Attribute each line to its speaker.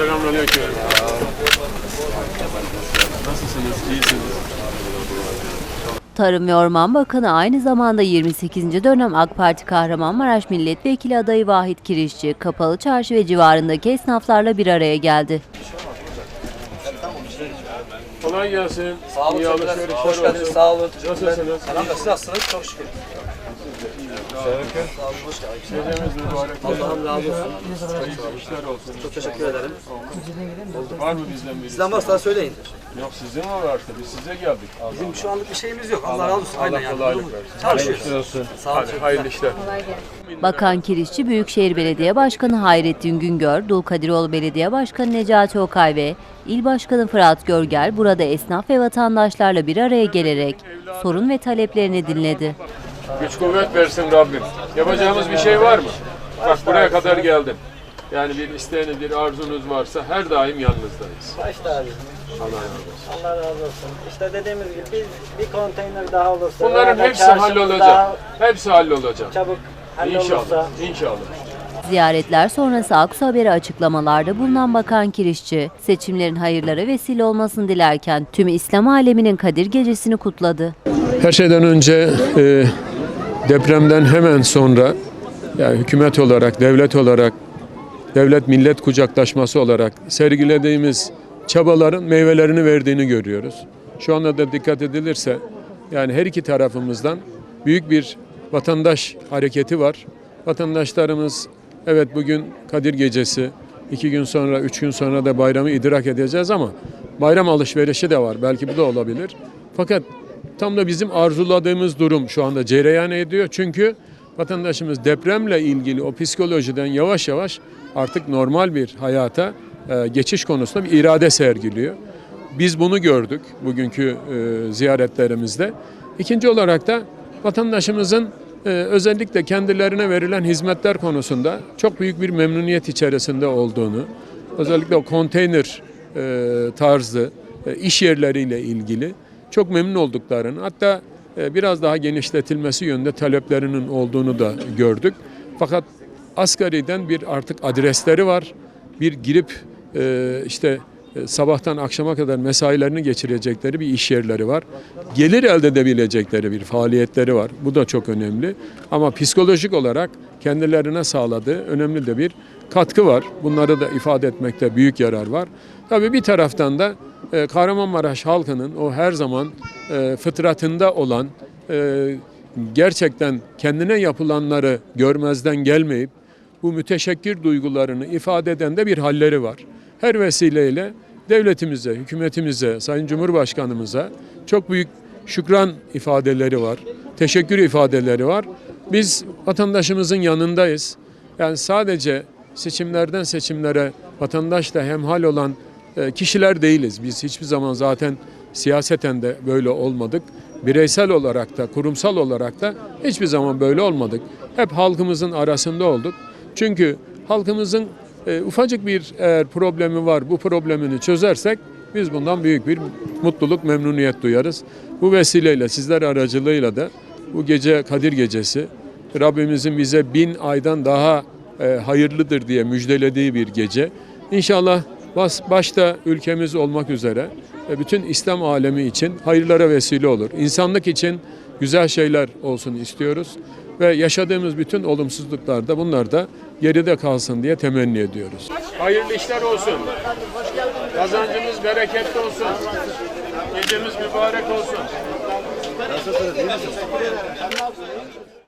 Speaker 1: Selamünaleyküm. Nasılsınız? İyisiniz?
Speaker 2: Tarım ve Orman Bakanı aynı zamanda 28. dönem AK Parti Kahramanmaraş Milletvekili adayı Vahit Kirişçi, Kapalı Çarşı ve civarındaki esnaflarla bir araya geldi.
Speaker 1: Kolay gelsin.
Speaker 3: Sağ olun.
Speaker 1: İyi alışverişler
Speaker 3: Hoş geldiniz.
Speaker 1: olsun.
Speaker 3: Sağ olun.
Speaker 1: Nasılsınız?
Speaker 3: Siz nasılsınız? Çok şükür. Sağ olun. Hoş geldiniz.
Speaker 1: Gecemiz mübarek.
Speaker 3: Allah'ım razı olsun.
Speaker 1: Hayırlı işler olsun.
Speaker 3: Çok teşekkür ederim.
Speaker 1: Var mı bizden birisi?
Speaker 3: Sizden varsa söyleyin.
Speaker 1: Yok, sizin mi varsa biz size geldik.
Speaker 3: Bizim şu anlık bir şeyimiz yok. Allah razı olsun. Aynen
Speaker 1: Allah
Speaker 3: yani.
Speaker 1: kolaylık versin.
Speaker 3: Çalışıyoruz. Sağ olun.
Speaker 1: Hadi hayırlı işler.
Speaker 2: Bakan Kirişçi, Büyükşehir Belediye Başkanı Hayrettin Güngör, Dulkadiroğlu Belediye Başkanı Necati Okay ve İl Başkanı Fırat Görgel burada esnaf ve vatandaşlarla bir araya gelerek sorun ve taleplerini dinledi.
Speaker 1: Güç kuvvet versin Rabbim. Yapacağımız bir şey var mı? Bak buraya kadar geldim. Yani bir isteğiniz, bir arzunuz varsa her daim yanınızdayız.
Speaker 4: Başta abi.
Speaker 1: Allah razı olsun.
Speaker 4: Allah razı olsun. İşte dediğimiz gibi bir konteyner daha olursa.
Speaker 1: Bunların
Speaker 4: veya da
Speaker 1: hepsi
Speaker 4: çarşımız
Speaker 1: hallolacak.
Speaker 4: daha
Speaker 1: Hepsi hallolacak.
Speaker 4: Çabuk
Speaker 1: İnşallah.
Speaker 4: hallolursa.
Speaker 1: İnşallah.
Speaker 2: Ziyaretler sonrası Aksu Haber'e açıklamalarda bulunan Bakan Kirişçi, seçimlerin hayırlara vesile olmasını dilerken tüm İslam aleminin Kadir Gecesi'ni kutladı.
Speaker 1: Her şeyden önce depremden hemen sonra yani hükümet olarak, devlet olarak, devlet millet kucaklaşması olarak sergilediğimiz çabaların meyvelerini verdiğini görüyoruz. Şu anda da dikkat edilirse yani her iki tarafımızdan büyük bir vatandaş hareketi var. Vatandaşlarımız evet bugün Kadir Gecesi, 2 gün sonra, 3 gün sonra da bayramı idrak edeceğiz ama bayram alışverişi de var. Belki bu da olabilir. Fakat tam da bizim arzuladığımız durum şu anda cereyan ediyor. Çünkü vatandaşımız depremle ilgili o psikolojiden yavaş yavaş artık normal bir hayata geçiş konusunda bir irade sergiliyor. Biz bunu gördük bugünkü ziyaretlerimizde. İkinci olarak da vatandaşımızın özellikle kendilerine verilen hizmetler konusunda çok büyük bir memnuniyet içerisinde olduğunu, özellikle o konteyner tarzı iş yerleriyle ilgili çok memnun olduklarını, hatta biraz daha genişletilmesi yönünde taleplerinin olduğunu da gördük. Fakat asgariden bir artık adresleri var. Bir girip sabahtan akşama kadar mesailerini geçirecekleri bir iş yerleri var. Gelir elde edebilecekleri bir faaliyetleri var. Bu da çok önemli. Ama psikolojik olarak kendilerine sağladığı önemli de bir katkı var. Bunları da ifade etmekte büyük yarar var. Tabii bir taraftan da Kahramanmaraş halkının o her zaman fıtratında olan gerçekten kendine yapılanları görmezden gelmeyip bu müteşekkir duygularını ifade eden de bir halleri var. Her vesileyle devletimize, hükümetimize, Sayın Cumhurbaşkanımıza çok büyük şükran ifadeleri var, teşekkür ifadeleri var. Biz vatandaşımızın yanındayız. Yani sadece seçimlerden seçimlere vatandaşla hemhal olan kişiler değiliz. Biz hiçbir zaman zaten siyaseten de böyle olmadık. Bireysel olarak da, kurumsal olarak da hiçbir zaman böyle olmadık. Hep halkımızın arasında olduk. Çünkü halkımızın ufacık bir eğer problemi var, bu problemini çözersek biz bundan büyük bir mutluluk, memnuniyet duyarız. Bu vesileyle sizler aracılığıyla da bu gece Kadir Gecesi, Rabbimizin bize 1000 aydan daha hayırlıdır diye müjdelediği bir gece. İnşallah başta ülkemiz olmak üzere bütün İslam alemi için hayırlara vesile olur. İnsanlık için güzel şeyler olsun istiyoruz ve yaşadığımız bütün olumsuzluklarda bunlar da geride kalsın diye temenni ediyoruz. Hayırlı işler olsun. Kazancımız bereketli olsun. Gecemiz mübarek olsun.